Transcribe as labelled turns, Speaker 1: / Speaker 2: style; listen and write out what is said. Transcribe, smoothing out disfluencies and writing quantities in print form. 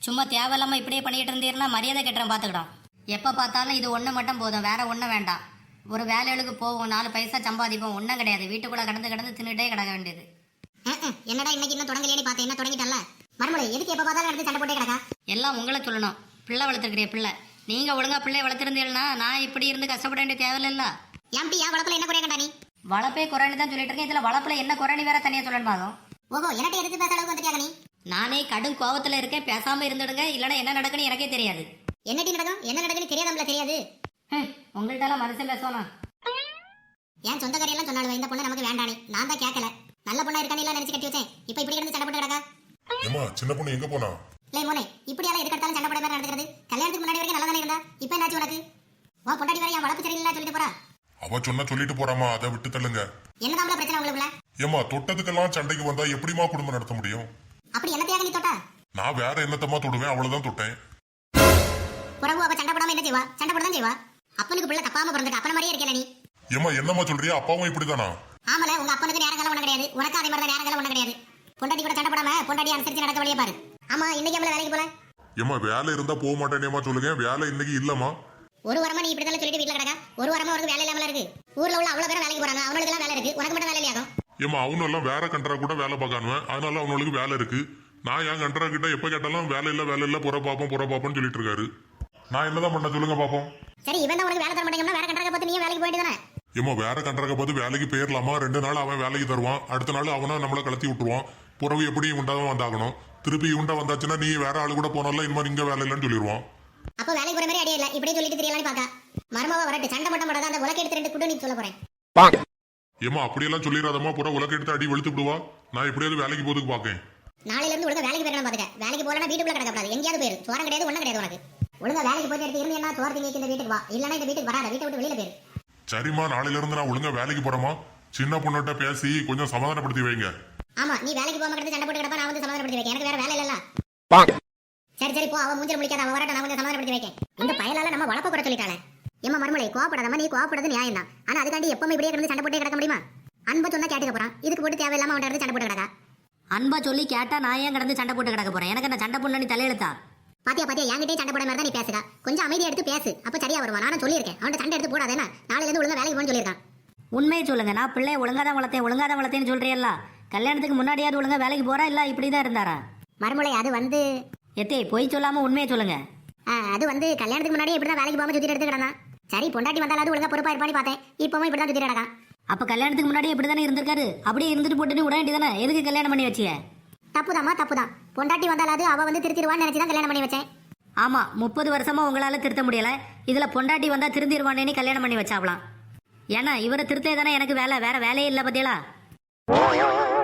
Speaker 1: சும்மா தேவையில்லாம இப்படியே பண்ணிட்டு இருந்தீங்கன்னா மரியாதை கட்டுறேன் பார்த்துக்கிடும். எப்போ பார்த்தாலும் இது ஒன்று மட்டும் போதும், வேற ஒன்றும் வேண்டாம். ஒரு வேலைகளுக்கு போவோம், 4 பைசா சம்பாதிப்போம், ஒன்றும் கிடையாது. வீட்டுக்குள்ளே கடந்து தின்னுட்டே கிடக்க வேண்டியது.
Speaker 2: என்னடா இன்னைக்கு இன்னும் தொடங்கலையே பார்த்தேன், என்ன தொடங்கிட்டல மறுமொழி எதுக்கு எப்போ பார்த்தாலும் எடுத்து சண்டை போட்டே கிடக்கா?
Speaker 1: எல்லாம் உங்களை சொல்லணும். பிள்ளை வளர்த்துருக்கிறிய பிள்ளை, நீங்கள் ஒழுங்கா பிள்ளைய வளர்த்துருந்தீங்கன்னா நான் இப்படி இருந்து கஷ்டப்பட வேண்டிய தேவையில்ல.
Speaker 2: ஏன்டி என் வளர்ப்புல என்ன குறைய கண்டா நீ?
Speaker 1: வளப்பே குறைன்னு தான் சொல்லிட்டு இருக்கேன், இதில் வளப்பில் என்ன குறைன்னு வேற தனியாக சொல்லணும்.
Speaker 2: ஓஹோ, என்னட்ட எதிர்த்து பேச அளவுக்கு வந்துட்டியா நீ?
Speaker 1: நானே கடும் கோவத்தில் இருக்கேன், பேசாமல் இருந்துடுங்க, இல்லைன்னா என்ன நடக்குன்னு எனக்கே தெரியாது.
Speaker 2: என்னடி நடக்கும், என்ன நடக்குன்னு தெரியாதம்ல? தெரியாது.
Speaker 1: உங்கள்கிட்ட மனசு பேசணும்.
Speaker 2: ஏன் சொந்த கரையெல்லாம் சொன்னாலும் இந்த பொண்ணு நமக்கு வேண்டானே, நான் தான் கேட்கல. நல்ல பொண்ணா இருக்கானே எல்லாம் நினைச்சு கட்டி வச்சேன், இப்போ இப்படி கிடந்து சண்டை போட்டு கிடக்கா?
Speaker 3: ஏமா சின்ன பொண்ணு எங்க போனா?
Speaker 2: இல்லை மோனே, இப்படியால எதுக்கு எடுத்தாலும் சண்டை போட மாதிரி நடந்துக்கிறது? கல்யாணத்துக்கு முன்னாடி வரைக்கும் நல்லா தானே இருந்தா, இப்போ என்னாச்சு உனக்கு? வா பொண்டாடி வரை என் வளர்ப்பு சரியில்லை சொல்லிட்டு போறா.
Speaker 3: அவ சொன்னா சொல்லிட்டு போறாமா, அதை விட்டு தள்ளுங்க.
Speaker 2: என்னதான் பிரச்சனை உங்களுக்குள்ள?
Speaker 3: ஏமா தொட்டதுக்கெல்லாம் சண்டைக்கு வந்தா எப்படிமா குடும்பம் நடத்த முடியும்?
Speaker 2: அப்படி என்னத்தையாக நீ தொட்டா?
Speaker 3: நான் வேற என்னத்தமா தொடுவேன், அவ்வளவுதான் தொட்டேன்.
Speaker 2: புறவு அவ சண்டை போடாம என்ன செய்வா? சண்டை போட தான் செய்வா. அப்பனுக்கு பிள்ளை தப்பாம பிறந்துட்டு அப்பன மாதிரியே இருக்கல நீ.
Speaker 3: ஏமா என்னமா சொல்றியா? அப்பாவும் இப்படிதானா?
Speaker 2: ஆமல, உங்க அப்பனுக்கு நேரங்காலம் ஒண்ணு கிடையாது, உனக்கு அதே மாதிரி தான் நேரங்காலம் ஒண்ணு கிடையாது. பொண்டாட்டி கூட சண்டை போடாம பொண்டாட்டி அனுசரிச்சு நடக்க வழியே பாரு. ஆமா, இன்னைக்கு நம்மள வேலைக்கு போல.
Speaker 3: ஏமா வேலை இருந்தா போக மாட்டேனேமா சொல்லுங்க, வேலை இன்னைக்கு இல்லமா.
Speaker 2: ஒரு வாரமா நீ இப்படி தான் சொல்லிட்டு வீட்டுல கிடக்கா. ஒரு வாரமா உனக்கு வேலை இல்லாமல இருக்கு. ஊர்ல உள்ள அவ்வளவு பேர் வேலைக்கு போறாங்க, அவங்களுக்கு எல்லாம் வேலை இருக்கு, உனக்கு மட்டும் வேலை இல்லையாகும்.
Speaker 3: ஏமா அவனும் எல்லாம் வேற கண்ட்ரா கூட வேலை பார்க்கானுவேன், அதனால அவனுக்கு வேலை இருக்கு. நான் என் கண்ட்ரா கிட்ட எப்ப கேட்டாலும் வேலை இல்ல புற பாப்போம்னு சொல்லிட்டு இருக்காரு. நான் என்னதான் பண்ண சொல்லுங்க பாப்போம்.
Speaker 2: சரி, இவன் தான் உனக்கு வேலை தர மாட்டேங்கன்னா வேற கண்ட்ராக பார்த்து நீ வேலைக்கு போயிட்டு தானே?
Speaker 3: ஏமா வேற கண்ட்ராக பார்த்து வேலைக்கு போயிடலாமா? 2 நாள் அவன் வேலைக்கு தருவான், அடுத்த நாள் அவனா நம்மளை கலத்தி விட்டுருவான். புறவு எப்படி உண்டாதான் வந்தாகணும். திருப்பி உண்டா வந்தாச்சுன்னா நீ வேற ஆளு கூட போனால இனிமே இங்க வேலை இல்லைன்னு சொல்லிடுவான்.
Speaker 2: அப்ப வேலைக்கு போற மாதிரி ஐடியா இல்ல, இப்படியே சொல்லிட்டு தெரியலான்னு பாக்கா. மர்மாவா வரட்டு, சண்டை மட்டும் போடாத, அந்த உலக எடுத்து 2 குட்டு நீ சொல்ல போறேன்.
Speaker 3: ஏமா அப்படியெல்லாம் சொல்லிடாதமா, புற உலக எடுத்து அடி வெளுத்து விடுவா. நான் எப்படியாவது வேலைக்கு போறதுக்கு பாக்கேன்.
Speaker 2: நாளையில இருந்து ஒழுங்கா வேலைக்கு போயிடணும் பாத்துக்க. வேலைக்கு போறனா வீட்டுக்குள்ள கிடக்கப்படாது, எங்கேயாவது போயிரு. சோரம் கிடையாது, ஒண்ணும் கிடையாது உனக்கு. ஒழுங்கா வேலைக்கு போயிட்டு எடுத்து இருந்து என்ன சோறு திங்க இந்த வீட்டுக்கு வா, இல்லன்னா இந்த வீட்டுக்கு வராத, வீட்டை விட்டு வெளியில போயிரு.
Speaker 3: சரிம்மா, நாளையில இருந்து நான் ஒழுங்கா வேலைக்கு போறேமா. சின்ன பொண்ணுகிட்ட பேசி கொஞ்சம் சமாதானப்படுத்தி வைங்க.
Speaker 2: ஆமா, நீ வேலைக்கு போகாம கிடந்து சண்டை போட்டு கிடப்பா, நான் வந்து சமாதானப்படுத்தி வைக்க. எனக்கு வேற வேலை இல்லல்ல. சரி போ, அவன் மூஞ்சில முடிக்காத, அவன் வரட்ட நான் கொஞ்சம் சமாதானப்படுத்தி வைக்க. இந்த பயலால நம்ம வளப்ப கூட சொல்லிட்டாளே. ஏமா மர்மலை, கோவப்படாதமா, நீ கோவப்படுறது நியாயம் தான். ஆனா அதுக்காண்டி எப்பவுமே இப்படியே கிடந்து சண்டை போட்டே கிடக்க முடியுமா? அன்பா சொன்னா கேட்டுக்க போறான், இதுக்கு போட்டு தேவையில்லாம அவன் சண்டை போட்டு கிடக்கா.
Speaker 1: அன்பா சொல்லி கேட்டா நான் ஏன் கடந்து சண்டை போட்டு கிடக்க போறேன்? எனக்கு என்ன சண்டை பொண்ணு நீ தலையெழுத்தா?
Speaker 2: பாத்தியா என்கிட்டயே சண்டை போட மாதிரி தான் நீ பேசுதா. கொஞ்சம் அமைதியா எடுத்து பேசு, அப்ப சரியா வருவான். நானும் சொல்லியிருக்கேன், அவன் சண்டை எடுத்து போடாதேன்னா நாளையில இருந்து ஒழுங்கா வேலைக்கு போன்னு சொல்லியிருக்கான்.
Speaker 1: உண்மையை சொல்லுங்க, நான் பிள்ளைய ஒழுங்கா தான் வளர்த்தேன்னு சொல்றியல்ல. கல்யாணத்துக்கு முன்னாடியாவது ஒழுங்கா வேலைக்கு போறா, இல்ல இப்படிதான் இருந்தாரா?
Speaker 2: மறுமலை, அது வந்து
Speaker 1: எத்தே பொய் சொல்லாம உண்மையை சொல்லுங்க.
Speaker 2: அது வந்து கல்யாணத்துக்கு முன்னாடியே இப்படிதான் வேலைக்கு போகாம சுத்திட்டு எடுத்து கிடந்தான். சரி, பொண்டாட்டி வந்தாலும் ஒழுங்கா பொறுப்பா இருப்பான்னு பார்த்தேன், இப்பவும் இப்படிதான் சுத்திட்டு கிடக்கான்.
Speaker 1: அப்ப கல்யாணத்துக்கு முன்னாடி இப்படிதானே இருந்திருக்காரு, அப்படியே இருந்துட்டு போட்டுன்னு விட வேண்டியதானே? எதுக்கு கல்யாணம் பண்ணி வச்சிய?
Speaker 2: தப்புதான். பொண்டாட்டி வந்தாலும் அவ வந்து திருத்திடுவான்னு நினைச்சுதான் கல்யாணம் பண்ணி வச்சேன்.
Speaker 1: ஆமா, 30 வருஷமா உங்களால திருத்த முடியல, இதுல பொண்டாட்டி வந்தா திருந்திருவானேன்னு கல்யாணம் பண்ணி வச்சாவலாம். ஏன்னா இவரை திருத்தே தானே எனக்கு வேலை, வேற வேலையே இல்ல பத்தியலா.